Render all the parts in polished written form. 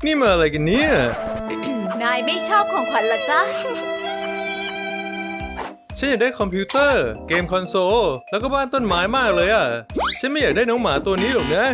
นี่มาอะไรกันเนี่ยนายไม่ชอบของขวัญเหรอจ๊ะฉันอยากได้คอมพิวเตอร์ เกมคอนโซล แล้วก็บ้านต้นไม้มากเลยอ่ะ ฉันไม่อยากได้น้องหมาตัวนี้หรอกนะ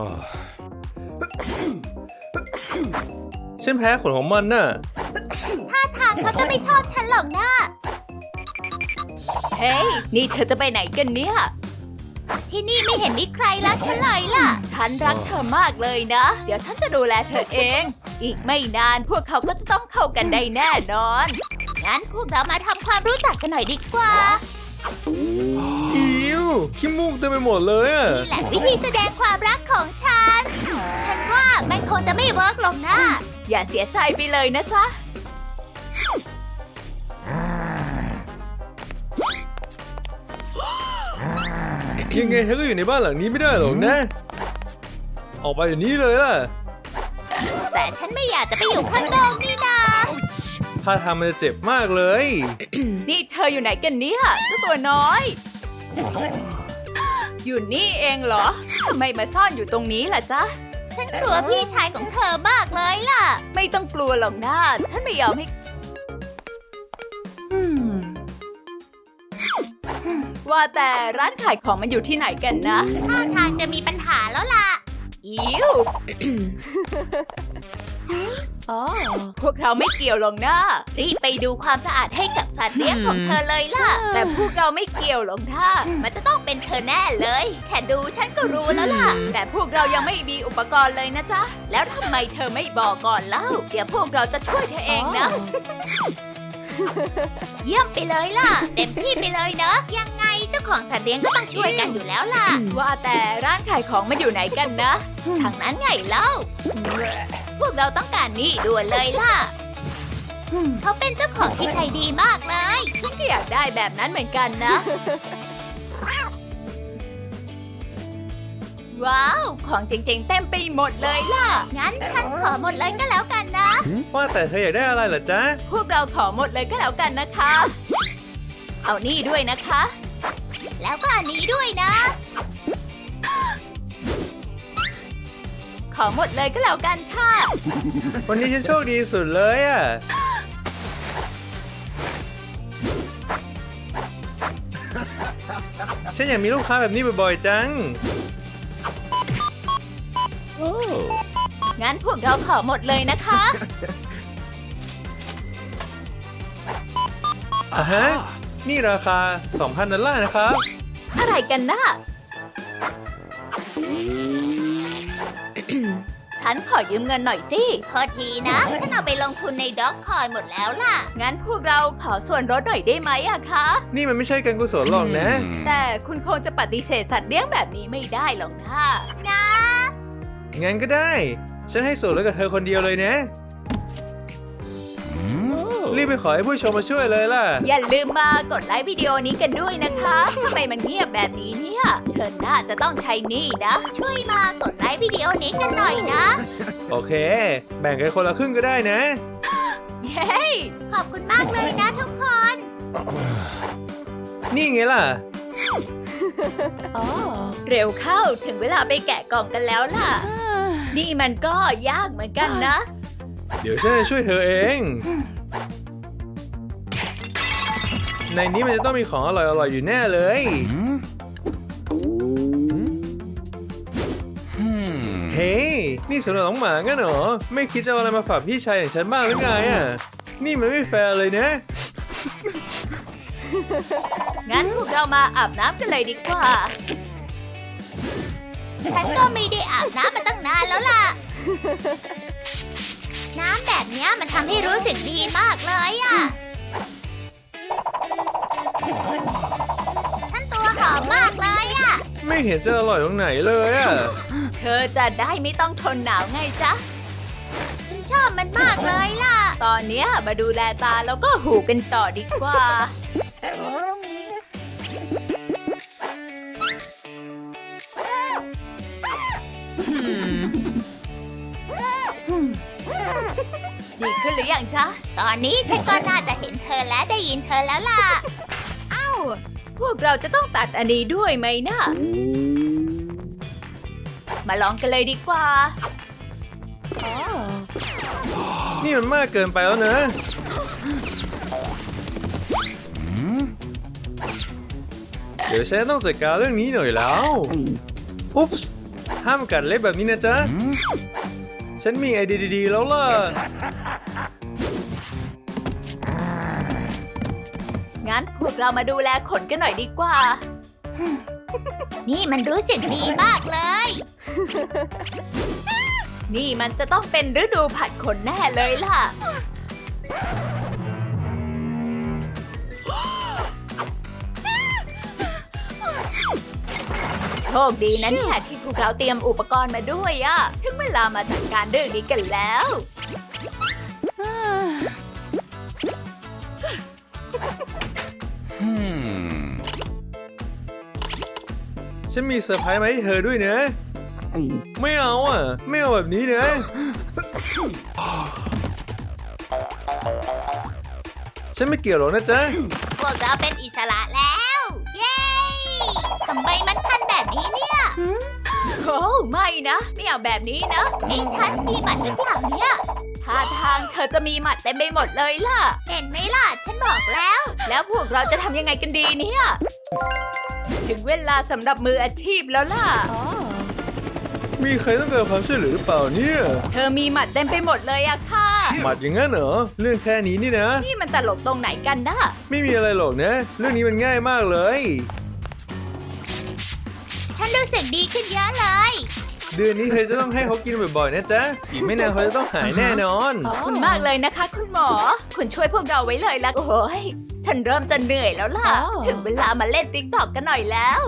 ฉันแพ้ขนของมันน่ะท่าทางเขาจะไม่ชอบฉันหรอกนะเฮ้ย นี่เธอจะไปไหนกันเนี่ยที่นี่ไม่เห็นมีใครรักฉันเลยล่ะฉันรักเธอมากเลยนะ เดี๋ยวฉันจะดูแลเธอเอง อีกไม่นานพวกเขาก็จะต้องเข้ากันได้แน่นอนงั้นพวกเรามาทำความรู้จักกันหน่อยดีกว่าอิวขี้มูกเต็มไปหมดเลยอ่ะนี่แหละวิธีแสดงความรักของฉัน ฉันว่ามันคงจะไม่เวิร์กหรอกนะอย่าเสียใจไปเลยนะจ๊ะยังไงเธอก็อยู่ในบ้านหลังนี้ไม่ได้หรอกนะ ออกไปอย่างนี้เลยล่ะแต่ฉันไม่อยากจะไปอยู่ข้างนอกนี่นาถ้าทำมันจะเจ็บมากเลยนี่เธออยู่ไหนกันเนี่ยเจ้าตัวน้อย อยู่นี่เองเหรอ ทำไมมาซ่อนอยู่ตรงนี้ล่ะจ๊ะฉันกลัวพี่ชายของเธอมากเลยล่ะไม่ต้องกลัวหรอกนะฉันไม่ยอมให้ว่าแต่ร้านขายของมันอยู่ที่ไหนกันนะท่าทางจะมีปัญหาแล้วล่ะอิว พวกเราไม่เกี่ยวหรอกนะรีบไปดูความสะอาดให้กับสัตว์เลี้ยงของเธอเลยล่ะแต่พวกเราไม่เกี่ยวหรอกนะมันจะต้องเป็นเธอแน่เลย แค่ดูฉันก็รู้แล้วล่ะแต่พวกเรายังไม่มีอุปกรณ์เลยนะจ๊ะ แล้วทำไมเธอไม่บอกก่อนเล่า เดี๋ยวพวกเราจะช่วยเธอเองนะเยี่ยมไปเลยล่ะ เต็มที่ไปเลยเนอะยังไงเจ้าของสัตว์เลี้ยงก็ต้องช่วยกันอยู่แล้วล่ะว่าแต่ร้านขายของมันอยู่ไหนกันนะทางนั้นไงเล่า พวกเราต้องการนี่ด่วนเลยล่ะ เขาเป็นเจ้าของที่ใจดีมากเลยฉันก็อยากได้แบบนั้นเหมือนกันนะ ว้าว ของเจ๋งๆเต็มไปหมดเลยล่ะงั้นฉันขอหมดเลยก็แล้วกันนะว่าแต่เธออยากได้อะไรเหรอจ๊ะพวกเราขอหมดเลยก็แล้วกันนะคะ เอานี่ด้วยนะคะแล้วก็อันนี้ด้วยนะขอหมดเลยก็แล้วกันค่ะวันนี้ฉันโชคดีสุดเลยอ่ะ ฉันอยากมีลูกค้าแบบนี้บ่อยๆจังงั้นพวกเราขอหมดเลยนะคะอ่ะฮะ นี่ราคา 2,000 ดอลลาร์นะครับอะไรกันนะ ฉันขอยืมเงินหน่อยสิโทษทีนะ ฉันเอาไปลงทุนในด็อกคอยหมดแล้วล่ะงั้นพวกเราขอส่วนลดหน่อยได้ไหมอะคะนี่มันไม่ใช่การกุศลหรอกนะแต่คุณคงจะปฏิเสธสัตว์เลี้ยงแบบนี้ไม่ได้หรอกนะนะงั้นก็ได้ ฉันให้ส่วนลดกับเธอคนเดียวเลยนะ รีบไปขอให้ผู้ชมมาช่วยเลยล่ะอย่าลืมมากดไลค์วิดีโอนี้กันด้วยนะคะทำไมมันเงียบแบบนี้เนี่ย เธอน่าจะต้องใช้หนี่นะช่วยมากดไลค์วิดีโอนี้กันหน่อยนะโอเค แบ่งกันคนละครึ่งก็ได้นะเย้ขอบคุณมากเลยนะทุกคนนี่ไงล่ะเร็วเข้าถึงเวลาไปแกะกล่องกันแล้วล่ะ นี่มันก็ยากเหมือนกันนะเดี๋ยวฉันจะช่วยเธอเอง ในนี้มันจะต้องมีของอร่อยๆอยู่แน่เลย เฮ้ย นี่สำหรับน้องหมางั้นเหรอ ไม่คิดจะเอาอะไรมาฝากพี่ชายอย่างฉันบ้างหรือไงอ่ะ นี่มันไม่แฟร์เลยนะงั้นพวกเรามาอาบน้ำกันเลยดีกว่าฉันก็ไม่ได้อาบน้ำมาตั้งนานแล้วล่ะ น้ำแบบเนี้ยมันทำให้รู้สึกดีมากเลยอ่ะ ฉันตัวหอมมากเลยอ่ะไม่เห็นจะอร่อยตรงไหนเลยอ่ะเธอจะได้ไม่ต้องทนหนาวไงจ๊ะฉันชอบมันมากเลยล่ะตอนเนี้ยมาดูแลตาแล้วก็หูกันต่อดีกว่า ดีขึ้นหรือยังจ๊ะตอนนี้ฉันก็น่าจะเห็นเธอและได้ยินเธอแล้วล่ะพวกเราจะต้องตัดอันนี้ด้วยไหมนะ มาลองกันเลยดีกว่านี่มันมากเกินไปแล้วนะ เดี๋ยวฉันต้องจัดการเรื่องนี้หน่อยแล้ว อุ๊ปส์ห้ามกัดเล็บแบบนี้นะจ๊ะ ฉันมีไอเดียดีๆแล้วล่ะงั้นพวกเรามาดูแลขนกันหน่อยดีกว่านี่มันรู้สึกดีมากเลยนี่มันจะต้องเป็นฤดูผัดขนแน่เลยล่ะ โชคดีนะเนี่ยที่พวกเราเตรียมอุปกรณ์มาด้วยอะถึงเวลามาจัดการเรื่องนี้กันแล้วฉันมีเซอร์ไพรส์มาให้เธอด้วยนะ ไม่เอาอ่ะ ไม่เอาแบบนี้นะ ฉันไม่เกี่ยวหรอกนะจ๊ะพวกเราเป็นอิสระแล้ว เย้ ทำไมมันพันแบบนี้เนี่ยโอ้ไม่นะ ไม่เอาแบบนี้นะนี่ฉันมีหมัดหรือเปล่าเนี่ยท่าทางเธอจะมีหมัดเต็มไปหมดเลยล่ะเห็นไหมล่ะ ฉันบอกแล้วแล้วพวกเราจะทำยังไงกันดีเนี่ย ถึงเวลาสำหรับมืออาชีพแล้วล่ะมีใครต้องการความช่วยเหลือหรือเปล่าเนี่ยเธอมีหมัดเต็มไปหมดเลยอะค่ะหมัดอย่างนั้นเหรอ เรื่องแค่นี้นี่นะนี่มันตลกตรงไหนกันนะไม่มีอะไรหรอกนะ เรื่องนี้มันง่ายมากเลยฉันรู้สึกดีขึ้นเยอะเลยเดือนนี้เธอจะต้องให้เขากินบ่อยๆนะจ๊ะ อีกไม่นานเขาจะต้องหายแน่นอนขอบคุณมากเลยนะคะ คุณหมอ คุณช่วยพวกเราไว้เลยละโอ้ยฉันเริ่มจะเหนื่อยแล้วล่ะ ถึงเวลามาเล่นติ๊กต็อกกันหน่อยแล้ว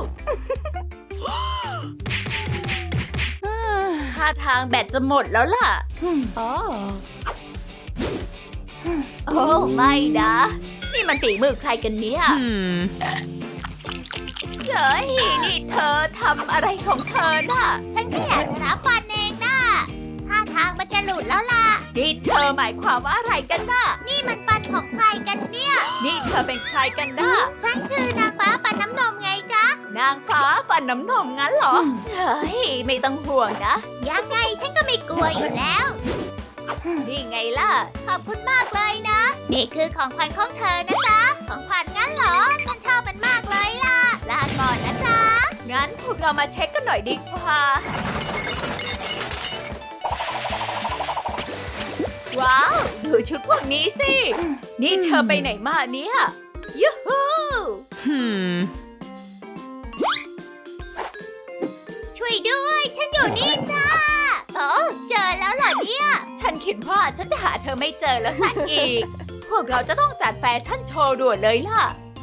ท่าทางแบตจะหมดแล้วล่ะ โอ้ไม่นะ นี่มันฝีมือใครกันเนี่ยเฮ้ยนี่เธอทำอะไรของเธอน่ะฉันแค่อยากจะรับฟันเองนะท่าทางมันจะหลุดแล้วล่ะนี่เธอหมายความว่าอะไรกันน่ะนี่มันฟันของใครกันเนี่ยนี่เธอเป็นใครกันน่ะฉันคือนางฟ้าฟันน้ำนมไงจ๊ะนางฟ้าฟันน้ำนมงั้นเหรอ เฮ้ย ไม่ต้องห่วงนะยังไงฉันก็ไม่กลัวอยู่แล้วนี่ไงล่ะขอบคุณมากเลยนะ นี่คือของขวัญของเธอนะจ๊ะ ของขวัญงั้นเหรอ ฉันชอบมันมากเลยล่ะ ลาก่อนนะจ๊ะงั้นพวกเรามาเช็คกันหน่อยดีกว่า ว้าว ดูชุดพวกนี้สิ นี่เธอไปไหนมาเนี่ย ยูฮูช่วยด้วย ฉันอยู่นี่จ้าโอ้เจอแล้วเหรอเนี่ยฉันคิดว่าฉันจะหาเธอไม่เจอแล้วสักอีก พวกเราจะต้องจัดแฟชั่นโชว์ด่วนเลยล่ะ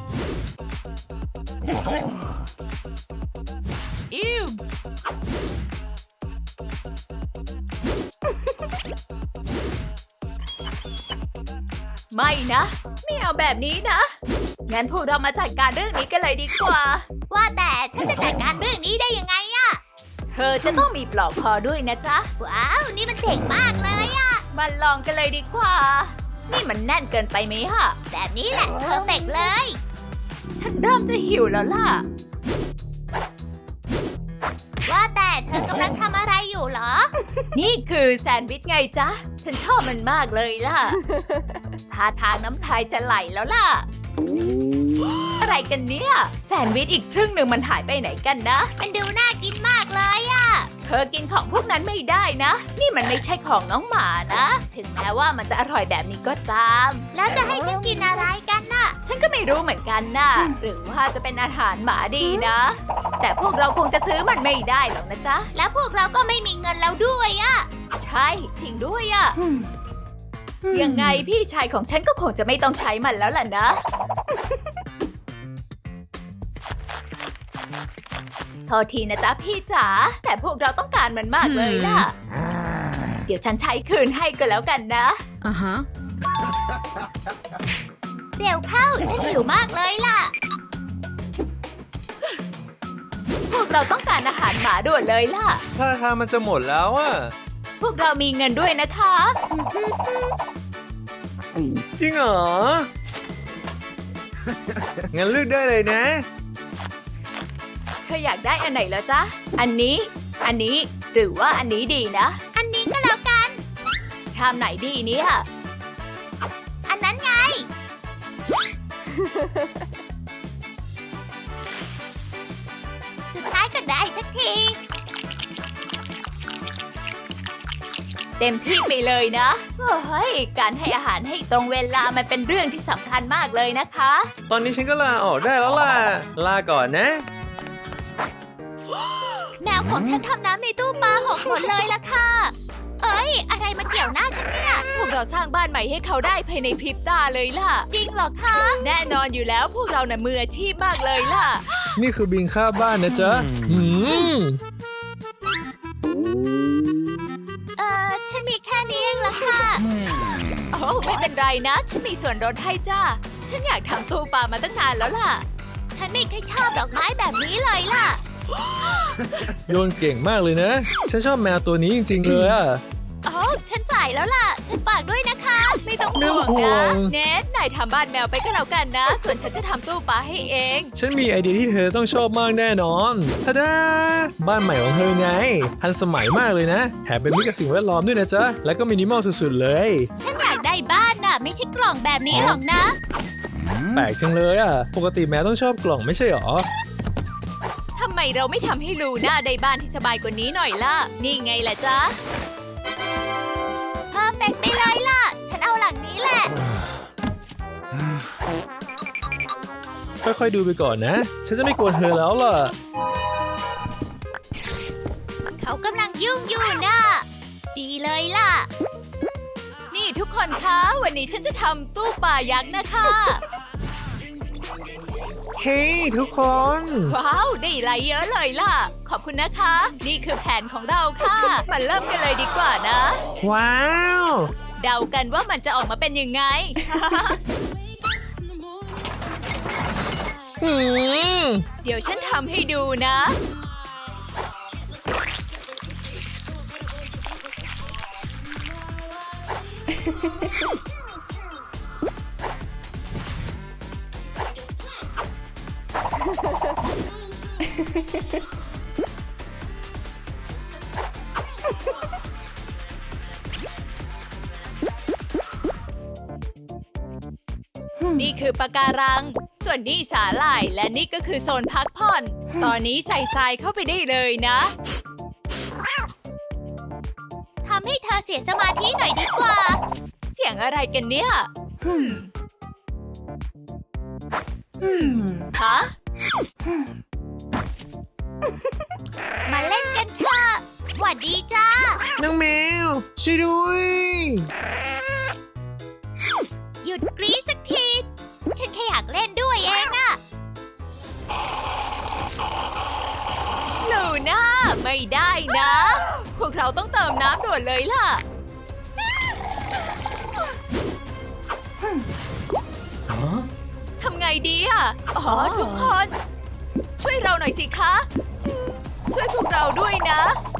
ไม่นะ ไม่เอาแบบนี้นะ งั้นพวกเรามาจัดการเรื่องนี้กันเลยดีกว่าว่าแต่ฉันจะจัดการเรื่องนี้ได้ยังไงอะเธอจะต้องมีปลอกคอด้วยนะจ๊ะว้าว นี่มันเจ๋งมากเลยอะมาลองกันเลยดีกว่า นี่มันแน่นเกินไปไหมฮะแบบนี้แหละเพอร์เฟกเลยฉันเริ่มจะหิวแล้วล่ะว่าแต่เธอกำลังทำอะไรอยู่เหรอนี่คือแซนด์วิชไงจ๊ะ ฉันชอบมันมากเลยล่ะ ท่าทางน้ำลายจะไหลแล้วล่ะ อะไรกันเนี่ย แซนด์วิชอีกครึ่งหนึ่งมันหายไปไหนกันนะมันดูน่ากินมากเลยอะเธอกินของพวกนั้นไม่ได้นะ นี่มันไม่ใช่ของน้องหมานะ ถึงแม้ว่ามันจะอร่อยแบบนี้ก็ตามแล้วจะให้ฉันกินอะไรกันน่ะฉันก็ไม่รู้เหมือนกันนะหรือว่าจะเป็นอาหารหมาดีนะ แต่พวกเราคงจะซื้อมันไม่ได้หรอกนะจ๊ะแล้วพวกเราก็ไม่มีเงินแล้วด้วยอะใช่จริงด้วยอะยังไงพี่ชายของฉันก็คงจะไม่ต้องใช้มันแล้วล่ะนะ โทษทีนะจ๊ะพี่จ๋า แต่พวกเราต้องการมันมากเลยล่ะ เดี๋ยวฉันใช้คืนให้ก็แล้วกันนะเร็วเข้า ฉันหิวมากเลยล่ะพวกเราต้องการอาหารหมาด่วนเลยล่ะถ้าทางมันจะหมดแล้วอ่ะพวกเรามีเงินด้วยนะคะจริงเหรอ งั้นเลือกได้เลยนะเธออยากได้อันไหนแล้วจ๊ะ อันนี้ หรือว่าอันนี้ดีนะอันนี้ก็แล้วกันชามไหนดีเนี่ยอันนั้นไง สุดท้ายก็ได้สักทีเต็มที่ไปเลยนะเฮ้ยการให้อาหารให้ตรงเวลามันเป็นเรื่องที่สำคัญมากเลยนะคะตอนนี้ฉันก็ลาออกได้แล้วล่ะ ลาก่อนนะแมวของฉันทำน้ำในตู้ปลาหกหมดเลยล่ะค่ะ เอ้ย อะไรมาเกี่ยวหน้าฉันเนี่ยพวกเราสร้างบ้านใหม่ให้เขาได้ภายในพริบตาเลยล่ะจริงเหรอคะแน่นอนอยู่แล้วพวกเราน่ะมืออาชีพมากเลยล่ะนี่คือบินค่าบ้านนะจ๊ะมฉันมีแค่นี้เองล่ะค่ะโอ้ไม่เป็นไรนะ ฉันมีส่วนลดให้จ้า ฉันอยากทำตู้ปลามาตั้งนานแล้วล่ะฉันไม่เคยชอบดอกไม้แบบนี้เลยล่ะโยนเก่งมากเลยนะ ฉันชอบแมวตัวนี้จริงๆเลยอะโอ้ฉันจ่ายแล้วล่ะ ฉันฝากด้วยนะคะไม่ต้องไม่ห่วงห่วนะงเนทนายทำบ้านแมวไปก็แล้วกันนะ ส่วนฉันจะทำตู้ปลาให้เองฉันมีไอเดียที่เธอต้องชอบมากแน่นอนทะดาบ้านใหม่ของเธอไง ทันสมัยมากเลยนะ แถมเป็นมิตรกับสิ่งแวดล้อมด้วยนะจ๊ะ แล้วก็มินิมอลสุดๆเลยฉันอยากได้บ้านน่ะ ไม่ใช่กล่องแบบนี้หรอกนะแปลกจังเลยอะปกติแมวต้องชอบกล่องไม่ใช่หรอทำไมเราไม่ทำให้ลูน่าได้บ้านที่สบายกว่านี้หน่อยล่ะ นี่ไงล่ะจ๊ะเพอร์เฟกต์ไปเลยล่ะ ฉันเอาหลังนี้แหละค่อยๆดูไปก่อนนะ ฉันจะไม่กวนเธอแล้วล่ะเขากำลังยุ่งอยู่น่ะ ดีเลยล่ะนี่ทุกคนคะ วันนี้ฉันจะทำตู้ปลายักษ์นะคะเฮ้ยทุกคนว้าว ได้ไลค์เยอะเลยล่ะ ขอบคุณนะคะ นี่คือแผนของเราค่ะ มาเริ่มกันเลยดีกว่านะว้าวเดากันว่ามันจะออกมาเป็นยังไงอืมเดี๋ยวฉันทำให้ดูนะ นี่คือปะการัง ส่วนนี่สาหร่าย และนี่ก็คือโซนพักผ่อน ตอนนี้ใส่ทรายเข้าไปได้เลยนะทำให้เธอเสียสมาธิหน่อยดีกว่าเสียงอะไรกันเนี่ยฮะมาเล่นกันเถอะหวัดดีจ้าน้องแมว ช่วยด้วยหยุดกรี๊ดสักที ฉันแค่อยากเล่นด้วยเองอะลูน่าไม่ได้นะ พวกเราต้องเติมน้ำด่วนเลยล่ะ ทำไงดีอ่ะ อ๋อ ทุกคน ช่วยเราหน่อยสิคะ ช่วยพวกเราด้วยนะ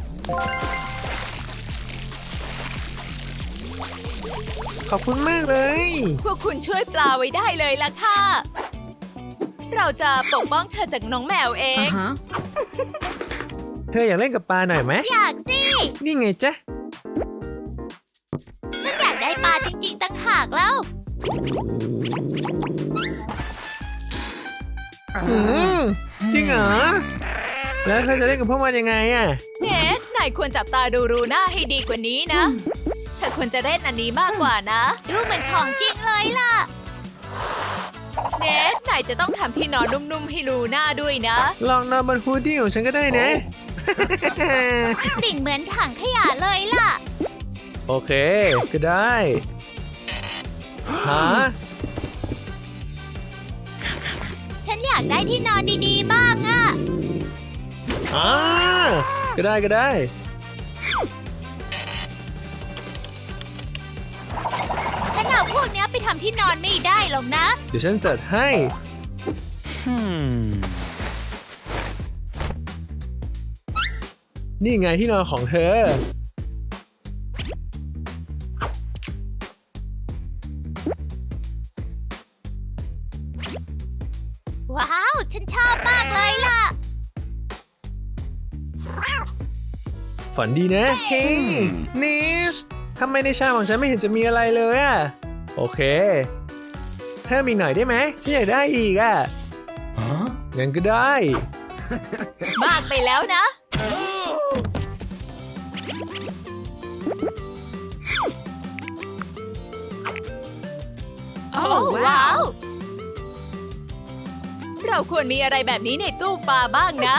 ขอบคุณมากเลยพวกคุณช่วยปลาไว้ได้เลยล่ะค่ะ เราจะปกป้องเธอจากน้องแมวเองเธออยากเล่นกับปลาหน่อยไหมอยากสินี่ไงจ๊ะฉันอยากได้ปลาจริงๆตั้งหากแล้วจริงเหรอ แล้วเธอจะเล่นกับพวกมันยังไงอะเนทนายควรจับตาดูรูน่าให้ดีกว่านี้นะ เธอควรจะเล่นอันนี้มากกว่านะดูเหมือนของจริงเลยล่ะเนทนายจะต้องทำที่นอนนุ่มๆให้รูน่าด้วยนะลองนอนบนฮูดดี้ของฉันก็ได้นะกลิ่นเหมือนถังขยะเลยล่ะโอเค ก็ได้ฮะฉันอยากได้ที่นอนดีๆบ้างอะก็ได้ก็ได้ฉันเอาพวกเนี้ยไปทำที่นอนไม่ได้หรอกนะเดี๋ยวฉันจัดให้ นี่ไงที่นอนของเธอว้าว ฉันชอบมากเลยล่ะฝันดีนะ เฮ้ยนิสทำไมในชามของฉันไม่เห็นจะมีอะไรเลยอะโอเคเพิ่มอีกหน่อยได้ไหมฉันอยากได้อีกอะงั้นก็ได้มากไปแล้วนะ โอ้ว้าว เราควรมีอะไรแบบนี้ในตู้ปลาบ้างนะ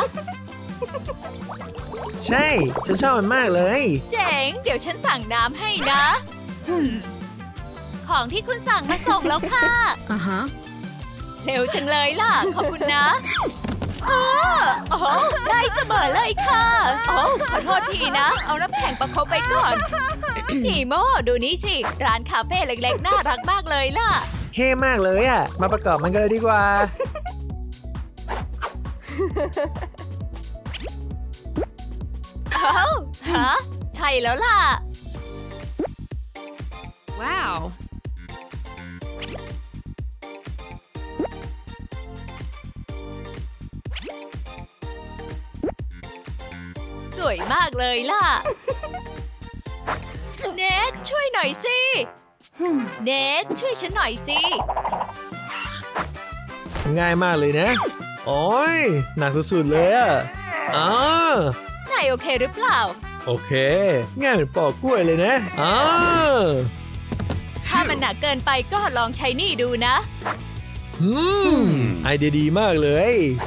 ใช่ ฉันชอบมันมากเลยเจ๋ง เดี๋ยวฉันสั่งน้ำให้นะ ของที่คุณสั่งมาส่งแล้วค่ะเร็วจังเลยล่ะ ขอบคุณนะโอ้ได้เสมอเลยค่ะ โอ้ขอโทษทีนะ เอาน้ำแข็งประคบไปก่อน นีโมดูนี่สิ ร้านคาเฟ่เล็กๆ น่ารักมากเลยล่ะเท่มากเลยอะมาประกอบมันกันเลยดีกว่าฮะ ใช่แล้วล่ะว้าวสวยมากเลยล่ะ เนทช่วยหน่อยสิ เนทช่วยฉันหน่อยสิง่ายมากเลยนะ โอ้ยหนักสุดๆเลยอะอ๋อนายโอเคหรือเปล่าโอเค ง่ายเหมือนปอกกล้วยเลยนะอ๋อถ้ามันหนักเกินไปก็ลองใช้นี่ดูนะไอเดียดีมากเลย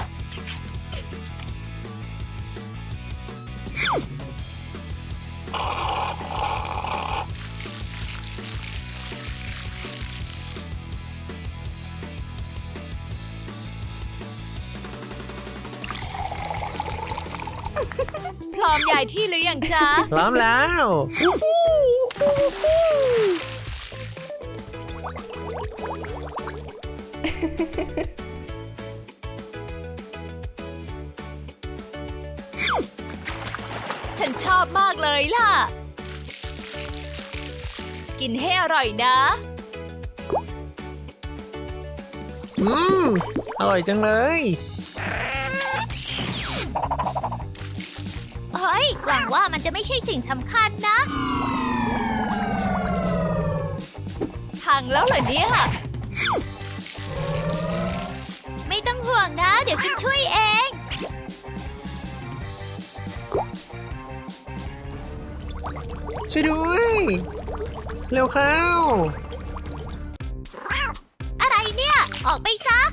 พร้อมย้ายที่หรือยังจ๊ะพร้อมแล้วฉันชอบมากเลยล่ะ กินให้อร่อยนะอร่อยจังเลยเฮ้ย หวังว่ามันจะไม่ใช่สิ่งสำคัญนะพังแล้วเหรอเนี่ยไม่ต้องห่วงนะ เดี๋ยวฉันช่วยเองช่วยด้วย เร็วเข้าอะไรเนี่ย ออกไปซะ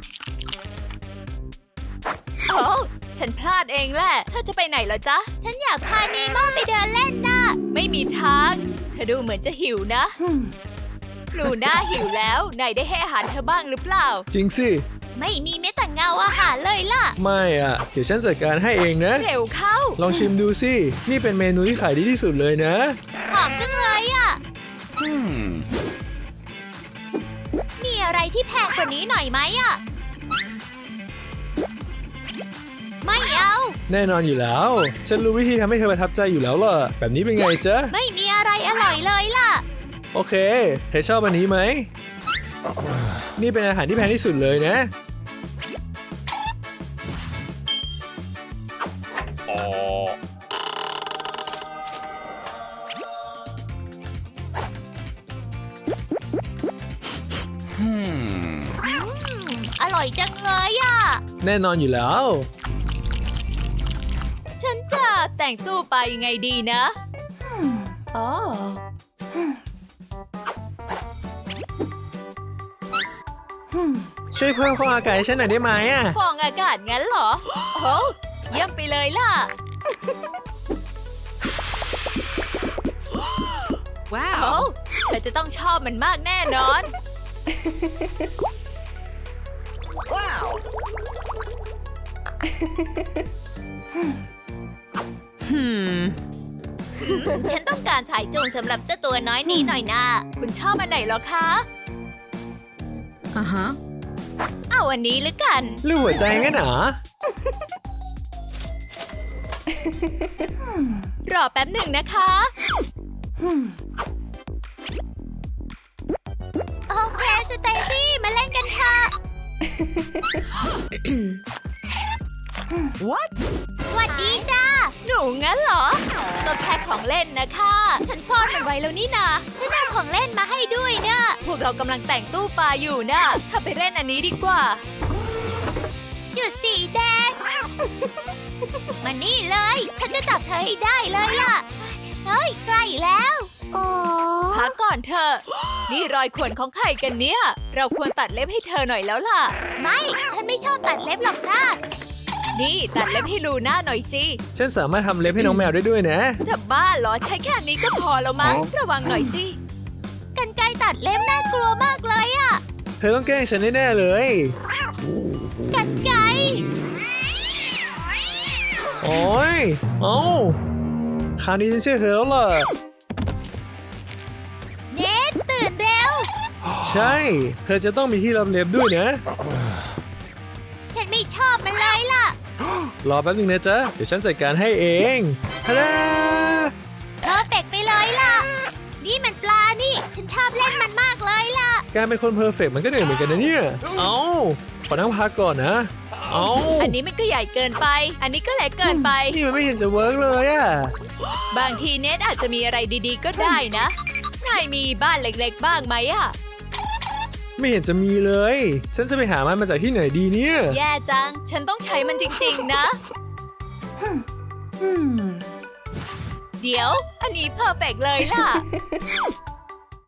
โอ้ฉันพลาดเองแหละ เธอจะไปไหนเหรอจ๊ะฉันอยากพานีโม่ไปเดินเล่นน่ะไม่มีทาง เธอดูเหมือนจะหิวนะ ลูน่าหิวแล้ว นายได้ให้อาหารเธอบ้างหรือเปล่าจริงสิไม่มีแม้แต่เงาอาหารเลยล่ะไม่อ่ะ เดี๋ยวฉันจัดการให้เองนะเร็วเข้าลองชิมดูสิ นี่เป็นเมนูที่ขายดีที่สุดเลยนะหอมจังเลยอ่ะ มีอะไรที่แพงกว่านี้หน่อยไหมอ่ะ ไม่เอาแน่นอนอยู่แล้ว ฉันรู้วิธีทำให้เธอประทับใจอยู่แล้วล่ะ แบบนี้เป็นไงจ๊ะไม่มีอะไรอร่อยเลยล่ะโอเค เธอชอบอันนี้ไหม นี่เป็นอาหารที่แพงที่สุดเลยนะอร่อยจังเลยอ่ะแน่นอนอยู่แล้วฉันจะแต่งตู้ไปยังไงดีนะ อ๋อช่วยเพิ่มฟองอากาศให้ฉันหน่อยได้ไหมอ่ะฟองอากาศงั้นเหรอ โอ้เยี่ยมไปเลยล่ะ ว้าว เธอจะต้องชอบมันมากแน่นอน ว้าวฉันต้องการสายจูงสำหรับเจ้าตัวน้อยนี้หน่อยนะคุณชอบอันไหนเหรอคะเอาอันนี้หรือกันรูปหัวใจงั้นเหรอรอแป๊บหนึ่งนะคะโอเคสเตซี่มาเล่นกันเถอะ What สวัสดีจ้าหนูงั้นเหรอ ก็แค่ของเล่นนะคะ ฉันซ่อนมันไว้แล้วนี่นาฉันเอาของเล่นมาให้ด้วยนะพวกเรากำลังแต่งตู้ปลาอยู่นะถ้าไปเล่นอันนี้ดีกว่าจุดสีแดง มานี่เลย ฉันจะจับเธอให้ได้เลยล่ะ เฮ้ยใกล้แล้วพักก่อนเถอะ นี่รอยข่วนของใครกันเนี่ย เราควรตัดเล็บให้เธอหน่อยแล้วล่ะไม่ ฉันไม่ชอบตัดเล็บหรอกนะนี่ตัดเล็บให้ลูน่าหน่อยสิฉันสามารถทำเล็บให้น้องแมวได้ด้วยนะจะบ้าเหรอใช้แค่นี้ก็พอแล้วมั้งระวังหน่อยสิกรรไกรตัดเล็บน่ากลัวมากเลยอะเธอต้องแกล้งฉันแน่ๆเลยกรรไกรโอ้ยเอ้าคราวนี้ฉันเชื่อเธอแล้วล่ะเนทตื่นเร็วใช่ เธอจะต้องมีที่รับเล็บด้วยนะฉันไม่ชอบมันเลยล่ะรอแป๊บนึงนะจ๊ะ เดี๋ยวฉันจัดการให้เองฮาดาเพอร์เฟกต์ไปเลยล่ะ นี่มันปลานี่ ฉันชอบเล่นมันมากเลยล่ะการเป็นคนเพอร์เฟกต์มันก็เหนื่อยเหมือนกันนะเนี่ย เอ้า ขอนั่งพักก่อนนะ เอ้าอันนี้มันก็ใหญ่เกินไป อันนี้ก็เล็กเกินไปนี่มันไม่เห็นจะเวิร์กเลยอะบางทีเนทอาจจะมีอะไรดีๆก็ได้นะนายมีบ้านเล็กๆบ้างไหมอะไม่เห็นจะมีเลย ฉันจะไปหามันมาจากที่ไหนดีเนี่ยแย่จัง ฉันต้องใช้มันจริงๆนะ เดี๋ยว อันนี้เพอร์เฟกต์เลยล่ะ